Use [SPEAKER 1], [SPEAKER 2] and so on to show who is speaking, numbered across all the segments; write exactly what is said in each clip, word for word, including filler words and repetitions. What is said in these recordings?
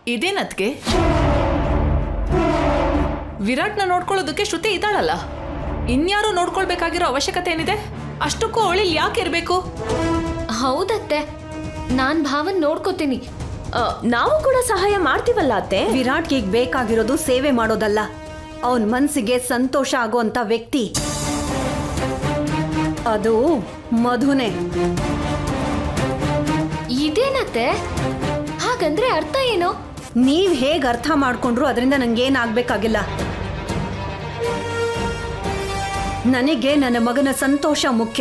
[SPEAKER 1] ಇದೇನದ್ಗೆ ವಿರಾಟ್ನ ನೋಡ್ಕೊಳ್ಳೋದಕ್ಕೆ ಶ್ರುತಿ ಇದ್ದಾಳಲ್ಲ, ಇನ್ಯಾರು ನೋಡ್ಕೊಳ್ಬೇಕಾಗಿರೋ ಅವಶ್ಯಕತೆ ಏನಿದೆ? ಅಷ್ಟಕ್ಕೂ ಅವಳಿಲ್ ಯಾಕೆ ಇರ್ಬೇಕು?
[SPEAKER 2] ಹೌದತ್ತೆ, ನಾನ್ ಭಾವನ್ ನೋಡ್ಕೋತೀನಿ. ನಾವು ಕೂಡ ಸಹಾಯ ಮಾಡ್ತೀವಲ್ಲ ಅತ್ತೆ.
[SPEAKER 3] ವಿರಾಟ್ಗೆ ಈಗ ಬೇಕಾಗಿರೋದು ಸೇವೆ ಮಾಡೋದಲ್ಲ, ಅವನ್ ಮನ್ಸಿಗೆ ಸಂತೋಷ ಆಗೋಂತ ವ್ಯಕ್ತಿ ಅದು ಮಧುನೇ.
[SPEAKER 2] ಇದೇನತ್ತೆ? ಹಾಗಂದ್ರೆ ಅರ್ಥ ಏನು?
[SPEAKER 3] ನೀವ್ ಹೇಗ್ ಅರ್ಥ ಮಾಡ್ಕೊಂಡ್ರು ಅದರಿಂದ ನಂಗೇನಾಗ್ಬೇಕಾಗಿಲ್ಲ. ನನಗೆ ನನ್ನ ಮಗನ ಸಂತೋಷ ಮುಖ್ಯ,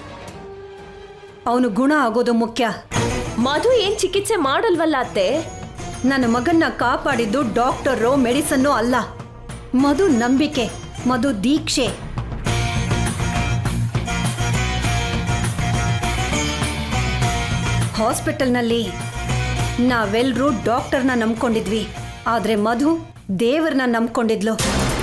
[SPEAKER 3] ಅವನು ಗುಣ ಆಗೋದು ಮುಖ್ಯ.
[SPEAKER 2] ಮಧು ಏನ್ ಚಿಕಿತ್ಸೆ ಮಾಡಲ್ವಲ್ಲ ಅತ್ತೆ?
[SPEAKER 3] ನನ್ನ ಮಗನ್ನ ಕಾಪಾಡಿದ್ದು ಡಾಕ್ಟರು ಮೆಡಿಸನ್ನು ಅಲ್ಲ, ಮಧು ನಂಬಿಕೆ, ಮಧು ದೀಕ್ಷೆ. ಹಾಸ್ಪಿಟಲ್ನಲ್ಲಿ ನಾವೆಲ್ಲರೂ ಡಾಕ್ಟರ್ನ ನಂಬ್ಕೊಂಡಿದ್ವಿ, ಆದ್ರೆ ಮಧು ದೇವರನ್ನ ನಂಬ್ಕೊಂಡಿದ್ಲು.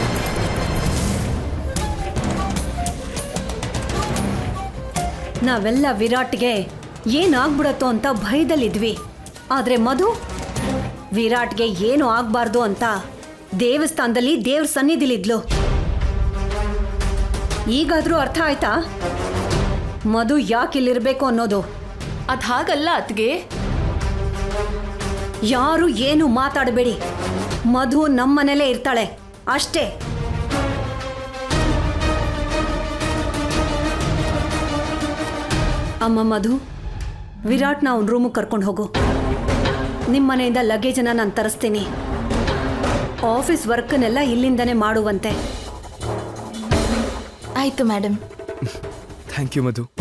[SPEAKER 3] ನಾವೆಲ್ಲ ವಿರಾಟ್ಗೆ ಏನಾಗ್ಬಿಡತ್ತೋ ಅಂತ ಭಯದಲ್ಲಿದ್ವಿ, ಆದ್ರೆ ಮಧು ವಿರಾಟ್ಗೆ ಏನು ಆಗ್ಬಾರ್ದು ಅಂತ ದೇವಸ್ಥಾನದಲ್ಲಿ ದೇವ್ರ ಸನ್ನಿಧಿಲಿದ್ಲು. ಈಗಾದ್ರೂ ಅರ್ಥ ಆಯ್ತಾ ಮಧು ಯಾಕಿಲ್ಲಿರ್ಬೇಕು ಅನ್ನೋದು?
[SPEAKER 1] ಅದ್ ಹಾಗಲ್ಲ ಅತ್ಗೆ.
[SPEAKER 3] ಯಾರು ಏನು ಮಾತಾಡಬೇಡಿ, ಮಧು ನಮ್ಮನೇಲೇ ಇರ್ತಾಳೆ ಅಷ್ಟೇ. ಅಮ್ಮ ಮಧು, ವಿರಾಟ್ನ ಅವನ ರೂಮಿಗೆ ಕರ್ಕೊಂಡು ಹೋಗು. ನಿಮ್ಮ ಮನೆಯಿಂದ ಲಗೇಜನ್ನ ನಾನು ತರಿಸ್ತೀನಿ. ಆಫೀಸ್ ವರ್ಕ್ನೆಲ್ಲ ಇಲ್ಲಿಂದನೇ ಮಾಡುವಂತೆ.
[SPEAKER 1] ಆಯ್ತು madam.
[SPEAKER 4] Thank you Madhu.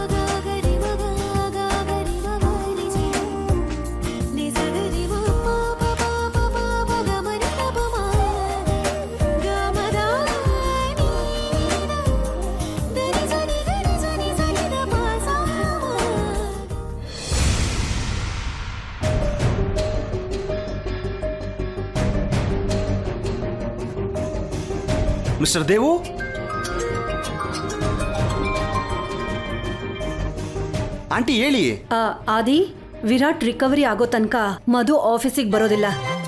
[SPEAKER 5] Mister Devu, aunty ಹೇಳಿ.
[SPEAKER 3] ಆ, ಆದಿ, ವಿರಾಟ್ ರಿಕವರಿ ಆಗೋ ತನಕ ಮಧು ಆಫೀಸಿಗೆ ಬರೋದಿಲ್ಲ.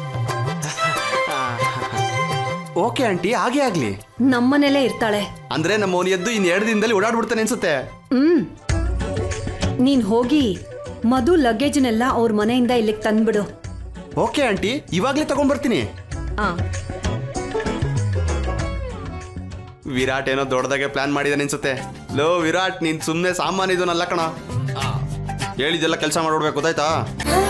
[SPEAKER 5] ಓಕೆ ಆಂಟಿ, ಹಾಗೆ ಆಗ್ಲಿ.
[SPEAKER 3] ನಮ್ಮನೇಲೇ ಇರ್ತಾಳೆ.
[SPEAKER 5] ಅಂದ್ರೆ ನಮ್ಮ ಅವನು ಎದ್ದು ಇನ್ ಎರಡು ದಿನದಲ್ಲಿ ಓಡಾಡ್ಬಿಡ್ತಾನೆ ಅನ್ಸುತ್ತೆ.
[SPEAKER 3] ಹ್ಮ್ ನೀನ್ ಹೋಗಿ ಮಧು ಲಗೇಜ್ನೆಲ್ಲ ಅವ್ರ ಮನೆಯಿಂದ ಇಲ್ಲಿಗೆ ತಂದ್ಬಿಡು.
[SPEAKER 5] ಓಕೆ ಆಂಟಿ, ಇವಾಗ್ಲೇ ತಗೊಂಡ್ ಬರ್ತೀನಿ.
[SPEAKER 3] ಆ
[SPEAKER 5] ವಿರಾಟ್ ಏನೋ ದೊಡ್ಡದಾಗೆ ಪ್ಲಾನ್ ಮಾಡಿದಾನೆ ಅನ್ಸುತ್ತೆ. ಲೋ ವಿರಾಟ್, ನೀನ್ ಸುಮ್ನೆ ಸಾಮಾನ್ಯ ಇದನ್ನಲ್ಲ ಕಣ, ಹೇಳಿದೆಲ್ಲ ಕೆಲಸ ಮಾಡ್ಬಿಡ್ಬೇಕು, ಗೊತ್ತಾಯ್ತಾ?